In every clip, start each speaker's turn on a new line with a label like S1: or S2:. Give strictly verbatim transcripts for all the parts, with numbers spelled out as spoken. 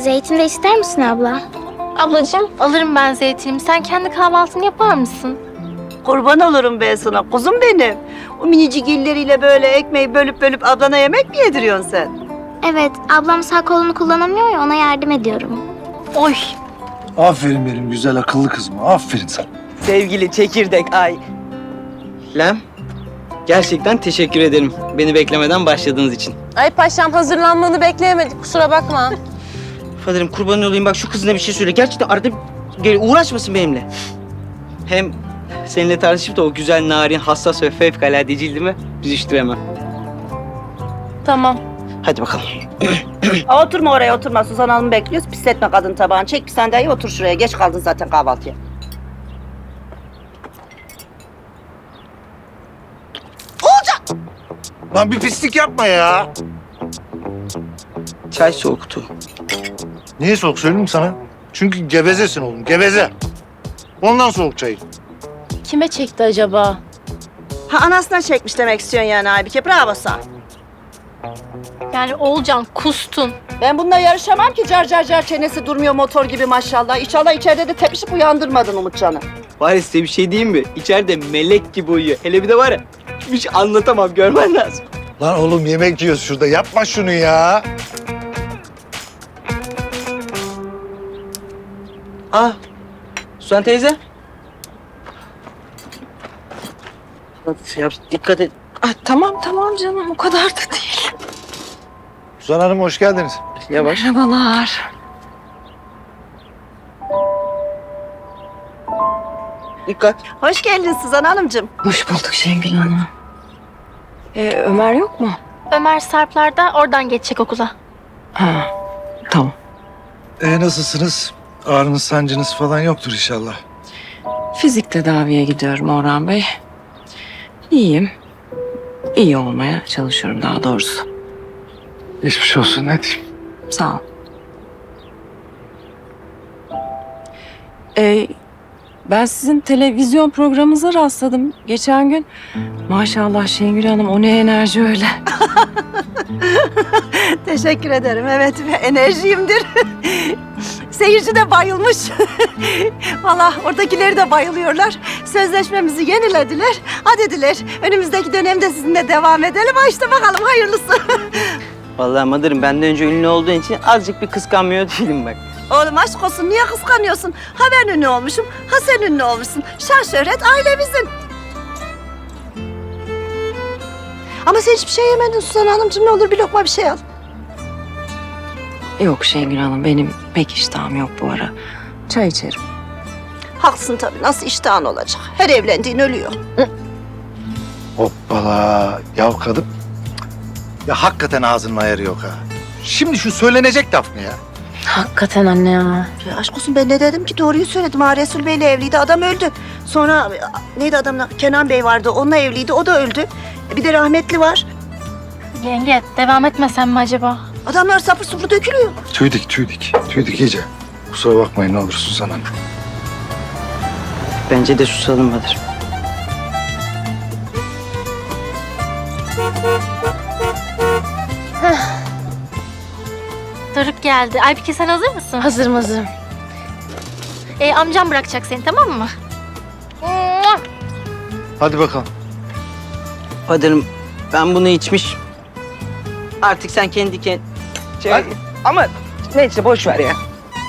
S1: Zeytin de ister misin abla?
S2: Ablacığım alırım ben zeytinimi. Sen kendi kahvaltını yapar mısın?
S3: Kurban olurum ben sana kuzum benim. O minicik illeriyle böyle ekmeği bölüp bölüp ablana yemek mi yediriyorsun sen?
S1: Evet, ablam sağ kolunu kullanamıyor ya ona yardım ediyorum.
S2: Oy.
S4: Aferin benim güzel akıllı kızıma. Aferin sana.
S5: Sevgili çekirdek ay. Lem, gerçekten teşekkür ederim beni beklemeden başladığınız için.
S6: Ay paşam hazırlanmanı bekleyemedik kusura bakma.
S5: Faderim kurban olayım bak şu kızına bir şey söyle. Gerçekten arada gel uğraşmasın benimle. Hem seninle tartışıp da o güzel, narin, hassas ve fevkalade cildimi büzüştüremem.
S6: Tamam.
S5: Hadi bakalım.
S3: Aa, oturma oraya oturma. Suzan Hanım'ı bekliyoruz. Pisletme kadın tabağını. Çek bir sandalye otur şuraya. Geç kaldın zaten kahvaltıya.
S4: Lan bir pislik yapma ya.
S5: Çay soğuktu.
S4: Niye soğuk söyleyeyim mi sana? Çünkü gevezesin oğlum, geveze. Ondan soğuk çayı.
S6: Kime çekti acaba?
S3: Ha anasına çekmiş demek istiyorsun yani Aybike. Bravo sana.
S2: Yani Oğulcan kustun.
S3: Ben bununla yarışamam ki. Car car car çenesi durmuyor motor gibi maşallah. İnşallah içeride de tepişip uyandırmadın Umutcan'ı.
S5: Var ya size bir şey diyeyim mi? İçeride melek gibi uyuyor. Hele bir de var ya hiç anlatamam görmen lazım.
S4: Lan oğlum yemek yiyoruz şurada. Yapma şunu ya.
S5: Aa, Suzan teyze. Hadi yap, dikkat et.
S6: Ay, tamam tamam canım o kadar da değil.
S4: Suzan Hanım hoş geldiniz.
S5: Yavaş.
S6: Merhabalar.
S5: Dikkat.
S3: Hoş geldin Suzan Hanımcığım.
S6: Hoş bulduk Şengül Hanım. Ee, Ömer yok mu?
S2: Ömer Sarplar'da oradan geçecek okula.
S6: Ha tamam.
S4: Ee, nasılsınız? Ağrınız, sancınız falan yoktur inşallah.
S6: Fizik tedaviye gidiyorum Orhan Bey. İyiyim. İyi olmaya çalışıyorum daha doğrusu.
S4: Geçmiş olsun, ne diyeyim?
S6: Sağ ol. Ee, ben sizin televizyon programınıza rastladım geçen gün. Maşallah Şengül Hanım o ne enerji öyle.
S3: Teşekkür ederim. Evet enerjiyimdir. Seyirci de bayılmış. Vallahi oradakileri de bayılıyorlar. Sözleşmemizi yenilediler. Ha dediler önümüzdeki dönemde sizinle devam edelim. Ha işte bakalım hayırlısı.
S5: Vallahi Madır'ım benden önce ünlü olduğun için azıcık bir kıskanmıyor değilim bak.
S3: Oğlum aşk olsun niye kıskanıyorsun? Ha ben ünlü olmuşum, ha sen ünlü olmuşsun. Şan şöhret ailemizin. Ama sen hiçbir şey yemedin Suzan Hanımcığım. Ne olur bir lokma bir şey al.
S6: Yok Şengül Hanım benim pek iştahım yok bu ara. Çay içerim.
S3: Haklısın tabii. Nasıl iştahın olacak? Her evlendiğin ölüyor.
S4: Hoppala. Ya kadın. Ya hakikaten ağzının ayarı yok ha. Şimdi şu söylenecek laf ne ya?
S6: Hakikaten anne ya.
S3: Ya aşk olsun ben ne dedim ki? Doğruyu söyledim. Ha Resul Bey'le evliydi. Adam öldü. Sonra neydi adamın? Kenan Bey vardı. Onunla evliydi. O da öldü. E, Bir de rahmetli var.
S2: Yenge devam etmesem mi acaba?
S3: Adamlar sapır supur dökülüyor.
S4: Tüydik, tüydik. Tüydik iyice. Kusura bakmayın ne olur Suzan Hanım.
S5: Bence de susalım Madır.
S2: Doruk geldi. Aybike sen hazır mısın?
S6: Hazırım hazırım.
S2: Ee, amcam bırakacak seni tamam mı?
S4: Hadi bakalım.
S5: Madır'ım ben bunu içmiş. Artık sen kendi kendine... Şey... Ama neyse boş ver ya.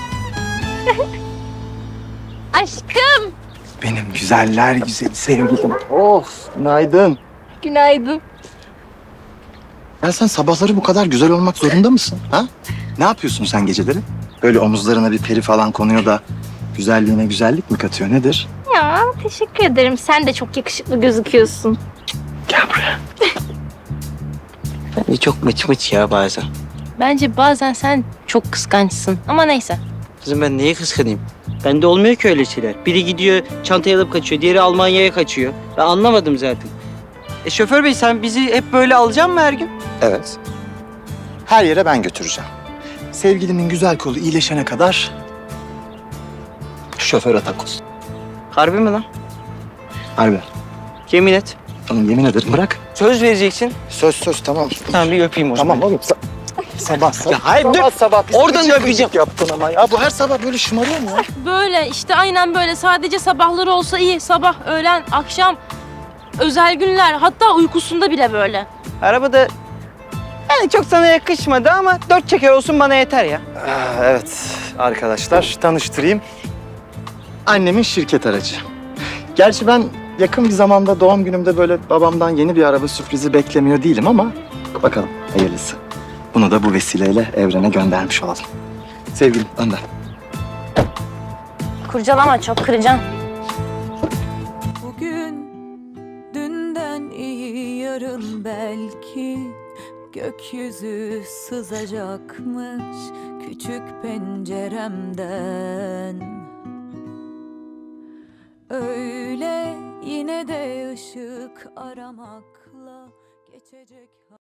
S2: Aşkım.
S4: Benim güzeller güzeli sevgilim. Of, günaydın.
S2: Günaydın.
S7: Ya sen sabahları bu kadar güzel olmak zorunda mısın? Ha? Ne yapıyorsun sen geceleri? Böyle omuzlarına bir peri falan konuyor da güzelliğine güzellik mi katıyor? Nedir?
S2: Ya teşekkür ederim. Sen de çok yakışıklı gözüküyorsun.
S7: Gel buraya.
S5: Bence çok mıç mıç ya bazen.
S6: Bence bazen sen çok kıskançsın ama neyse.
S5: Kızım ben neye kıskanayım? Bende olmuyor ki öyle şeyler. Biri gidiyor çantayı alıp kaçıyor, diğeri Almanya'ya kaçıyor. Ben anlamadım zaten. E şoför bey sen bizi hep böyle alacaksın mı her gün?
S7: Evet. Her yere ben götüreceğim. Sevgilimin güzel kolu iyileşene kadar şoför atak olsun.
S5: Harbi mi lan?
S7: Harbi.
S5: Yemin et.
S7: Oğlum yemin ederim bırak.
S5: Söz vereceksin.
S7: Söz söz tamam.
S5: Tamam bir öpeyim o zaman.
S7: Tamam oğlum. sa- Sabah sabah.
S5: Ya hayır,
S7: sabah,
S5: dur.
S7: sabah. Biz
S5: Oradan
S7: gıcık
S5: öpeceğim.
S7: gıcık yaptın ama ya. Bu her sabah böyle şımarıyor mu ya?
S6: Böyle işte aynen böyle. Sadece sabahları olsa iyi. Sabah, öğlen, akşam, özel günler. Hatta uykusunda bile böyle.
S5: Arabada yani çok sana yakışmadı ama dört çeker olsun bana yeter ya.
S7: Aa, evet arkadaşlar tanıştırayım. Annemin şirket aracı. Gerçi ben yakın bir zamanda doğum günümde böyle babamdan yeni bir araba sürprizi beklemiyor değilim ama bakalım hayırlısı. Bunu da bu vesileyle evrene göndermiş olalım. Sevgilim önden.
S2: Kurcalama, çok kıracaksın.
S8: Bugün dünden iyi yarın belki gökyüzü sızacakmış küçük penceremden. Öyle yine de ışık aramakla geçecek.